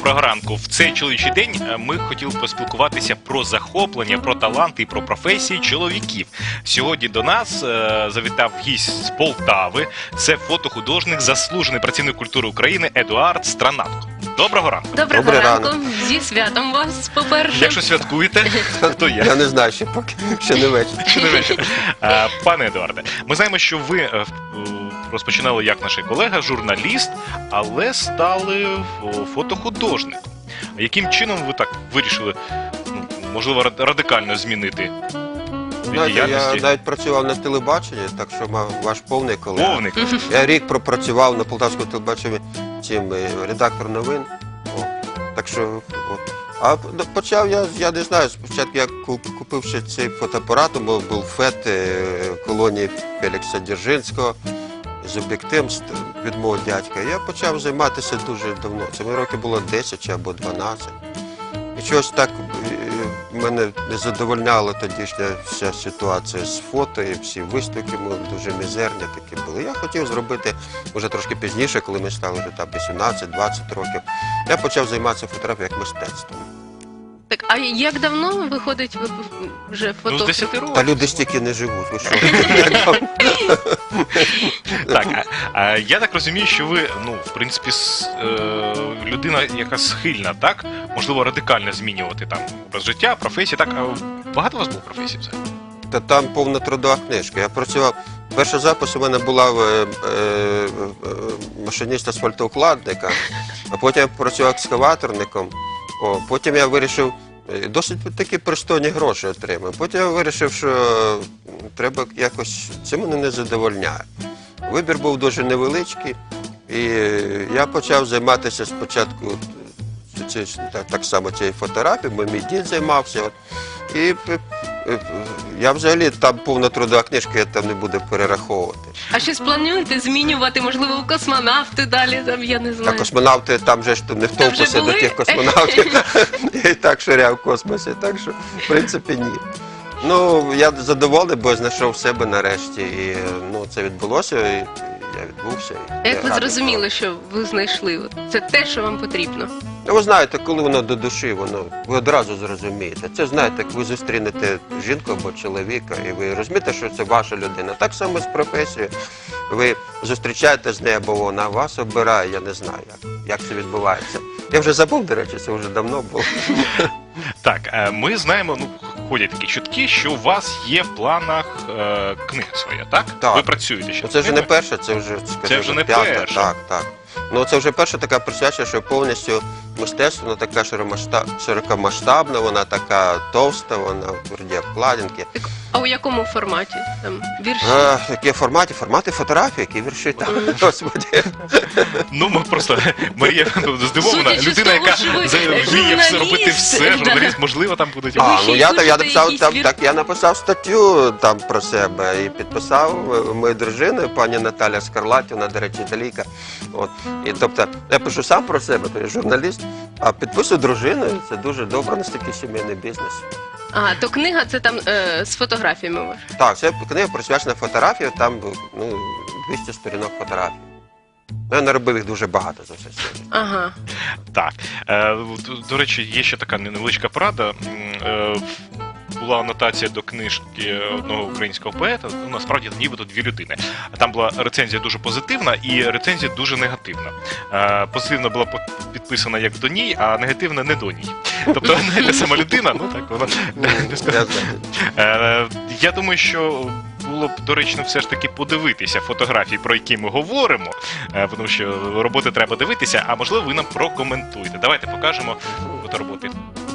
доброго ранку. В цей чоловічий день ми хотіли поспілкуватися про захоплення, про таланти і про професії чоловіків. Сьогодні до нас завітав гість з Полтави. Це фотохудожник, заслужений працівник культури України Едуард Странатко. Доброго ранку. Доброго ранку. Зі святом вас, по-перше. Якщо святкуєте, то я. Я не знаю, ще поки ще не вечір. Ще не вечір. Пане Едуарде, ми знаємо, що ви розпочинали як наш колега, журналіст, але стали фотохудожником. Яким чином ви так вирішили, можливо, радикально змінити діяльності? Я навіть працював на телебаченні, так що мав ваш повний колега. Повник. Я рік пропрацював на полтавському телебаченні редактор новин. Так що, а почав я не знаю, спочатку я купив ще цей фотоапарат, бо був ФЕТ колонії Фелікса Дзержинського з об'єктивом від мого дядька. Я почав займатися дуже давно. Це мені років було 10 або 12. І чогось так мене не задовольняла тодішня вся ситуація з фото, і всі виставки дуже мізерні такі були. Я хотів зробити, вже трошки пізніше, коли ми стали вже 18-20 років, я почав займатися фотографією як мистецтвом. Так, а як давно виходить ви вже Ну, з фото? 10 років. Та люди стільки не живуть, ви що? Так, я так розумію, що ви, в принципі, людина, яка схильна, так? Можливо, радикально змінювати там образ життя, професії, так? А багато у вас було професій взагалі? Та там повна трудова книжка. Я працював, перша запис у мене була машиніст асфальтоукладника, а потім я працював екскаваторником, потім я вирішив, досить такі пристойні гроші отримав. Потім я вирішив, що треба якось, це мене не задовольняє. Вибір був дуже невеличкий, і я почав займатися спочатку так само цією фотографією, бо мій дід займався. І я взагалі, там повна трудова книжка, я там не буду перераховувати. А щось плануєте змінювати, можливо, у космонавти далі, там, я не знаю. А космонавти, там же ж не втовпися до тих космонавтів. Я і так ширяв в космосі, так що, в принципі, ні. Ну, я задоволений, бо знайшов себе нарешті, і це відбулося, і я відбувся. Як ви зрозуміли, що ви знайшли? Це те, що вам потрібно? Ви знаєте, коли воно до душі, ви одразу зрозумієте. Це, знаєте, як ви зустрінете жінку або чоловіка, і ви розумієте, що це ваша людина. Так само з професією. Ви зустрічаєте з нею, або вона вас обирає, я не знаю, як це відбувається. Я вже забув, до речі, це вже давно було. Так, ми знаємо, ходять такі чутки, що у вас є в планах книга своя, так? Так. Ви працюєте ще. Це вже не перша, це вже, Це вже не п'ята. перша. Так. Ну, це вже перша така присвячена, що повністю мистецтво, вона така широкомасштабна, вона така товста, вона в тверді обкладинки. Так, а у якому форматі? Там, вірші? Які формати? Формати фотографії, які вірші там. Господи. Ми просто, Марія здивована, Судячи з людина, того, яка що ви вміє все робити журналіст, все, да. журналіст, можливо, там будуть. Я написав статтю там про себе і підписав мою дружину, пані Наталя Скарлаті, вона, до речі, італійка. І тобто, я пишу сам про себе, то я журналіст, а підписую дружину, це дуже добре, настільки сімейний бізнес. А, то книга це там з фотографіями у вас? Так, це книга присвячена фотографії, там 200 сторінок фотографій. Я наробив їх дуже багато за все сьогодні. Ага. Так. До речі, є ще така невеличка порада. Була анотація до книжки одного українського поета, насправді нібито дві людини. Там була рецензія дуже позитивна і рецензія дуже негативна. Позитивна була підписана як до ній, а негативна не до ній. Тобто не та сама людина, так вона не сказала. Я думаю, що було б доречно все ж таки подивитися фотографії, про які ми говоримо, тому що роботи треба дивитися, а можливо ви нам прокоментуєте. Давайте покажемо фотороботи.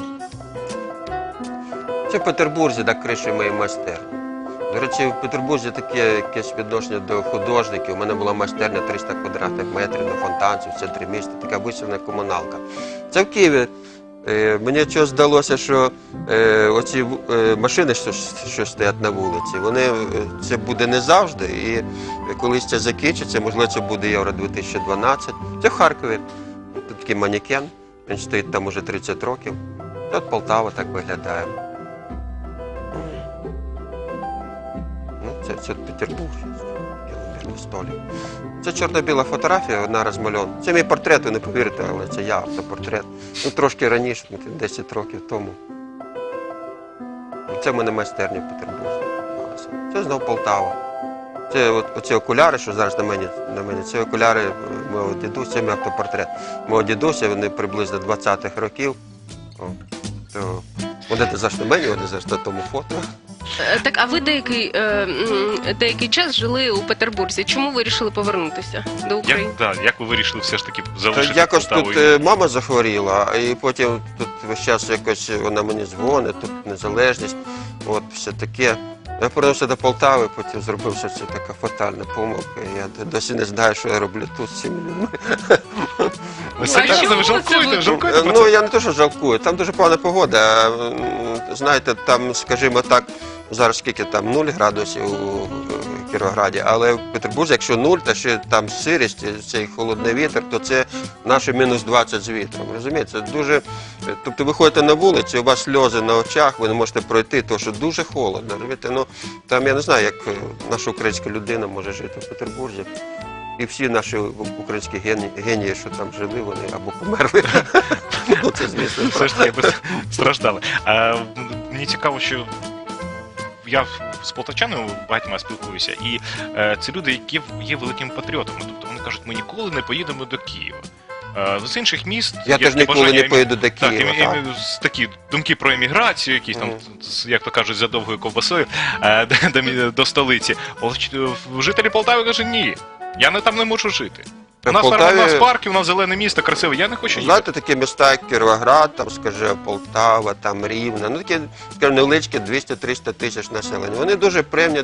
Це в Петербурзі, так, криші моєї майстерні. До речі, в Петербурзі таке якесь відношення до художників. У мене була майстерня 300 квадратних метрів на Фонтанці, в центрі міста, така висувна комуналка. Це в Києві. Мені чогось здалося, що оці машини, що стоять на вулиці, це буде не завжди. І колись це закінчиться, можливо, це буде Євро 2012. Це в Харкові. Тут такий манекен, він стоїть там уже 30 років. Тут Полтава так виглядає. Це Петербург. на столі. Це чорно-біла фотографія, одна розмальована. Це мій портрет, ви не повірите, але це я, автопортрет. Ну, трошки раніше, 10 років тому. Це в мене майстерня в Петербурзі. Це знову Полтава. Це оці окуляри, що зараз на мені, це окуляри мого дідуся, це мій автопортрет. Мого дідуся, вони приблизно 20-х років. О, то вони завжди мені, вони завжди на тому фото. Так, а ви деякий час жили у Петербурзі. Чому вирішили повернутися до України? Як ви вирішили все ж таки То залишити якось Полтаву? тут мама захворіла, і потім тут весь час якось вона мені дзвонить, тут незалежність, от все таке. Я повернувся до Полтави, потім зробив, що це така фатальна помилка. Я досі не знаю, що я роблю тут з цими людьми. Ви серйозно, ви жалкуєте? Жалкуєте про Ну, це? я не те, що жалкую, там дуже погана погода. Знаєте, там, скажімо так, зараз скільки там 0 градусів у Кіровограді, але в Петербурзі, якщо 0, та ще там сирість, цей холодний вітер, то це наше мінус 20 з вітром. Розумієте, це дуже. Тобто ви ходите на вулицю, у вас сльози на очах, ви не можете пройти, тому що дуже холодно. Розумієте? Ну, там я не знаю, як наша українська людина може жити в Петербурзі. І всі наші українські генії, що там жили, вони або померли. Ну, це, звісно, Все ж таки страждали. Мені цікаво, що я з полтавчанами багатьма спілкуюся, і це люди, які є великими патріотами. Тобто вони кажуть, ми ніколи не поїдемо до Києва. З інших міст Я теж ніколи не поїду до Києва. Так, такі думки про еміграцію, якісь там, як то кажуть, за довгою ковбасою до столиці. Жителі Полтави кажуть, ні, я там не можу жити. У нас парки, у нас зелене місто, красиве, я не хочу їхати. Знаєте, такі міста, як Кіровоград, там, скажімо, Полтава, там Рівне, ну такі, скажімо, невеличкі 200-300 тисяч населення. Вони дуже приємні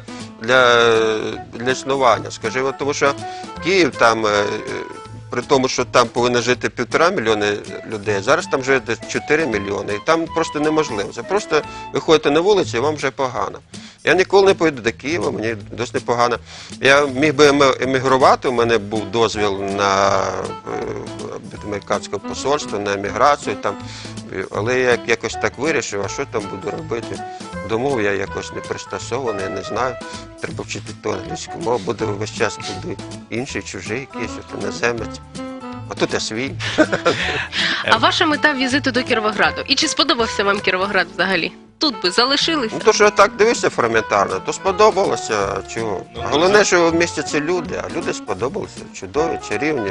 для існування, скажімо, тому що Київ там, при тому, що там повинно жити 1,5 мільйона людей, зараз там живе 4 мільйони, і там просто неможливо. Це просто ви ходите на вулиці, і вам вже погано. Я ніколи не поїду до Києва, мені досить непогано. Я міг би емігрувати, у мене був дозвіл на американське посольство, на еміграцію, там, але я якось так вирішив, а що там буду робити. До мов я якось не пристосований, я не знаю. Треба вчити ту англійську мову, буду весь час буду інший, чужий якийсь, іноземець. А тут я свій. А ваша мета візиту до Кіровограду? І чи сподобався вам Кіровоград взагалі? Тут би залишилися? Ну, то, що я так дивився фрагментарно, то сподобалося. Чого? Головне, що в місті це люди, а люди сподобалися. Чудові, чарівні.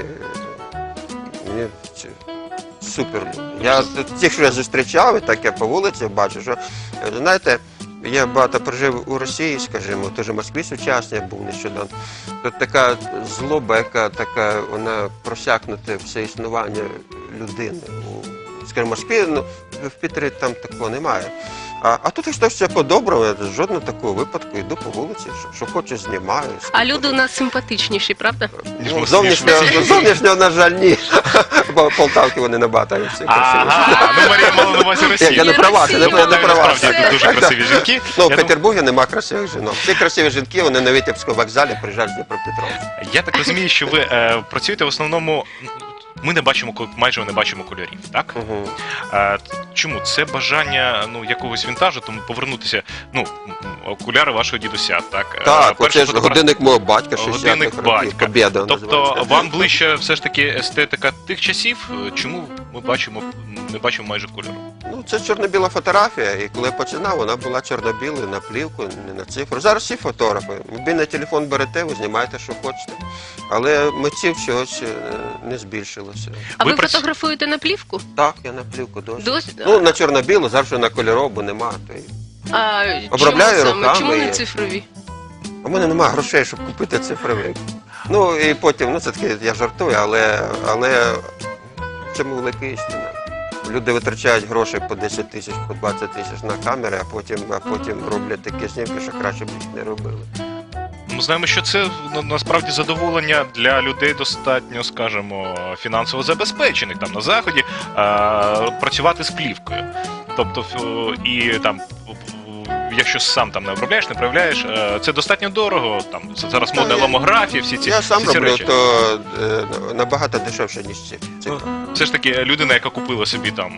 Мені це супер люди. Я тих, що я зустрічав, і так я по вулиці бачу, що, знаєте, я багато прожив у Росії, скажімо, теж в Москві сучасній був нещодавно. Тут така злоба, яка така, вона просякнута все існування людини. Скажімо, в Москві, ну, в Пітері там такого немає. А тут якщо все по-доброму, жодного такого випадку, йду по вулиці, що хочу, знімаю. А люди у нас симпатичніші, правда? Ну, зовнішнього, на жаль, ні. Бо Полтавки вони набагато всі красиві. Ага, ну Марія мала на увазі Росію. Я не про вас, я не про вас. Насправді дуже красиві жінки. Ну, в Петербурзі нема красивих жінок. Всі красиві жінки, вони на Витебському вокзалі приїжджають з Дніпропетровська. Я так розумію, що ви працюєте в основному. Ми майже не бачимо кольорів, так? Угу. Чому? Це бажання якогось вінтажу, тому повернутися, окуляри вашого дідуся, так? Так, оце ж годинник мого батька, 60-х Годинник років, батька. Побєда Тобто називається. вам ближче все ж таки естетика тих часів, чому ми не бачимо майже кольору? Ну, це чорно-біла фотографія, і коли я починав, вона була чорно-білою, на плівку, не на цифру. Зараз всі фотографи. Мобільний телефон берете, ви знімаєте, що хочете. Але митців чогось не збільшилося. А ви Ви фотографуєте на плівку? Так, я на плівку досі. Досі? Ну, на чорно-білу, завжди на кольорову, бо нема. То й... А Обробляю чому саме? руками Чому не і- цифрові? У мене немає грошей, щоб купити цифровий. Ну, і потім, ну, це таки, я жартую, але в цьому велика істина. Люди витрачають гроші по 10 тисяч, по 20 тисяч на камери, а потім роблять такі знімки, що краще б їх не робили. Ми знаємо, що це насправді задоволення для людей достатньо, скажімо, фінансово забезпечених там на заході працювати з плівкою. Тобто і там. Якщо сам там не обробляєш, не проявляєш, це достатньо дорого. Там зараз модна ломографія, всі ці Я сам всі ці роблю, речі. то набагато дешевше, ніж ці. Ну, все ж таки, людина, яка купила собі там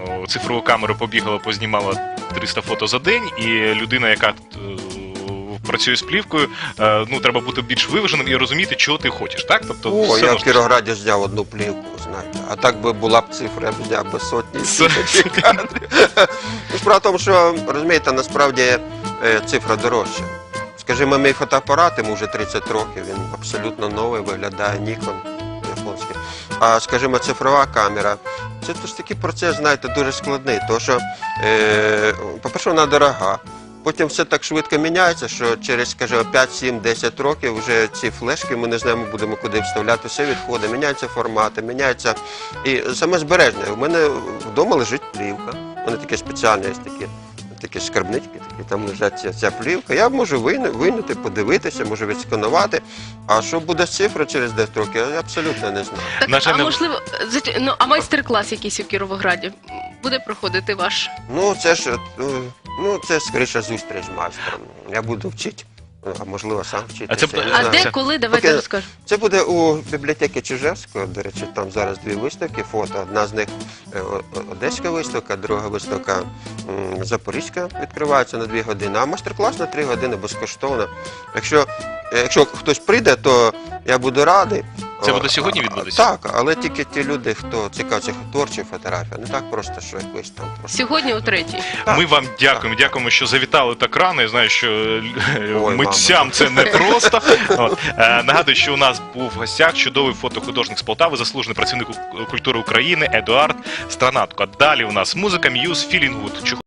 цифрову камеру, побігала, познімала 300 фото за день, і людина, яка працює з плівкою, ну треба бути більш виваженим і розуміти, чого ти хочеш, так? Тобто, О, все я одно в ж- Кіровограді зняв одну плівку, знаєте. А так би була б цифра, я б зняв би сотні Це- тисячі кадрів. Ну, справа в тому, що, розумієте, насправді цифра дорожча. Скажімо, мій фотоапарат, йому вже 30 років, він абсолютно новий, виглядає Nikon японський. А, скажімо, цифрова камера, це ж такий процес, знаєте, дуже складний, тому що, по-перше, вона дорога. Потім все так швидко міняється, що через, скажімо, 5, 7, 10 років вже ці флешки ми не знаємо, будемо куди вставляти, все відходить, міняються формати, міняється. І саме збереження. У мене вдома лежить плівка. У мене таке спеціальне є такі скарбнички, такі, там лежать ця плівка. Я можу вийняти, подивитися, можу відсканувати. А що буде з цифрою через 10 років, я абсолютно не знаю. Так, На жаль, а не- можливо, а майстер-клас якийсь у Кіровограді буде проходити ваш? Ну, це ж, це скоріше зустріч з майстром. Я буду вчити, а можливо сам вчитися. А це я не А знаю. де, коли? Давайте Поки- розкажемо. Це буде у бібліотеки Чижевського, до речі, там зараз 2 виставки, фото. Одна з них одеська виставка, друга виставка запорізька відкривається на 2 години, а майстер-клас на 3 години безкоштовно. Якщо хтось прийде, то я буду радий. Це буде сьогодні відбудеться? Так, але тільки ті люди, хто цікавиться творчою фотографією, не так просто, що якось там просто. Сьогодні о 3-й. Ми вам дякуємо, що завітали так рано. Я знаю, що Ой, митцям це не просто. От. Нагадую, що у нас був в гостях чудовий фотохудожник з Полтави, заслужений працівник культури України Едуард Странатко. Далі у нас музика, М'юз, Feeling Good.